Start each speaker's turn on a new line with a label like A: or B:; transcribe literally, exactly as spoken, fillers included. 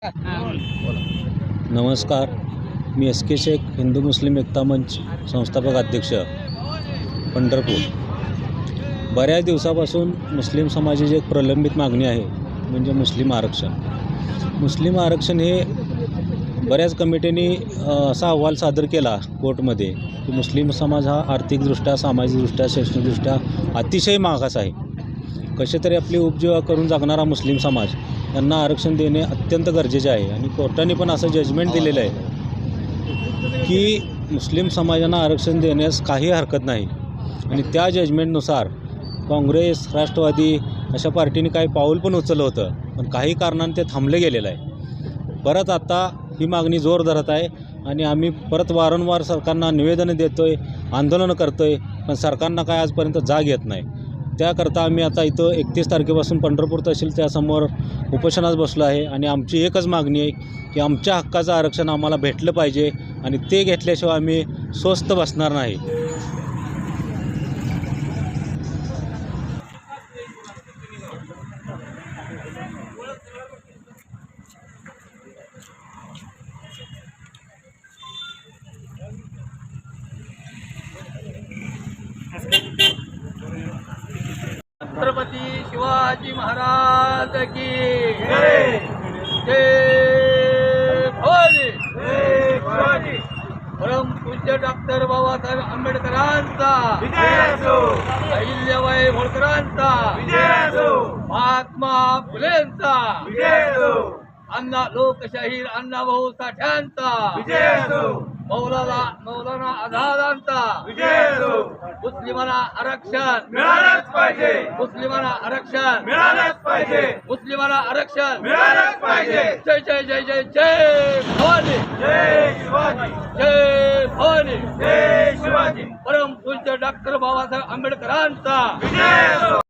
A: नमस्कार, मी S K Shaikh, हिंदू मुस्लिम एकता मंच संस्थापक अध्यक्ष, पंढरपूर. बऱ्याच दिवसापासून मुस्लिम समाजाची एक प्रलंबित मागणी आहे, म्हणजे मुस्लिम आरक्षण. मुस्लिम आरक्षण हे बऱ्याच कमिटीने असा अहवाल सादर केला कोर्टमध्ये की मुस्लिम समाज हा आर्थिकदृष्ट्या, सामाजिकदृष्ट्या, शैक्षणिकदृष्ट्या अतिशय मागास आहे. कसे तरी आपली उपजीविका करून जगणारा मुस्लिम समाज यांना आरक्षण देणे अत्यंत गरजेचे आहे. आणि कोर्टाने पण असं जजमेंट दिलेलं आहे की मुस्लिम समाजांना आरक्षण देण्यास काही हरकत नाही. आणि त्या जजमेंटनुसार काँग्रेस, राष्ट्रवादी अशा पार्टीने काही पाऊल पण उचललं होतं, पण काही कारणाने ते थांबले गेलेलं आहे. परत आता ही मागणी जोर धरत आहे आणि आम्ही परत वारंवार सरकारना निवेदनं देतो आहे, आंदोलनं करतो आहे, पण सरकारनं काय आजपर्यंत जाग येत नाही. त्याकरता आम्ही आता इथं एकतीस तारखेपासून पंढरपूर तहसीलच्यासमोर उपोषणास बसलो आहे. आणि आमची एकच मागणी आहे की आमच्या हक्काचं आरक्षण आम्हाला भेटलं पाहिजे आणि ते घेतल्याशिवाय आम्ही स्वस्थ बसणार नाही.
B: छत्रपती शिवाजी महाराज की जय. जय भवानी. जय शिवाजी. परम पूज्य डॉक्टर बाबासाहेब आंबेडकरांचा विजय असो. अहिल्याबाई होळकरांचा विजय असो. महात्मा फुलेंचा विजय असो. अण्णा लोकशाहीर अण्णाभाऊ साठ्यांचा विजय असो. मौलाना मौलाना आझादांचा विजय असो. मुस्लिमांना आरक्षण मिळालंच पाहिजे. मुस्लिमांना आरक्षण मिळालंच पाहिजे. मुस्लिमांना आरक्षण मिळालंच पाहिजे. जय जय जय जय जय भवानी. जय शिवाजी. जय भवानी. जय शिवाजी. परम पूज्य डॉक्टर बाबासाहेब आंबेडकरांचा विजय असो.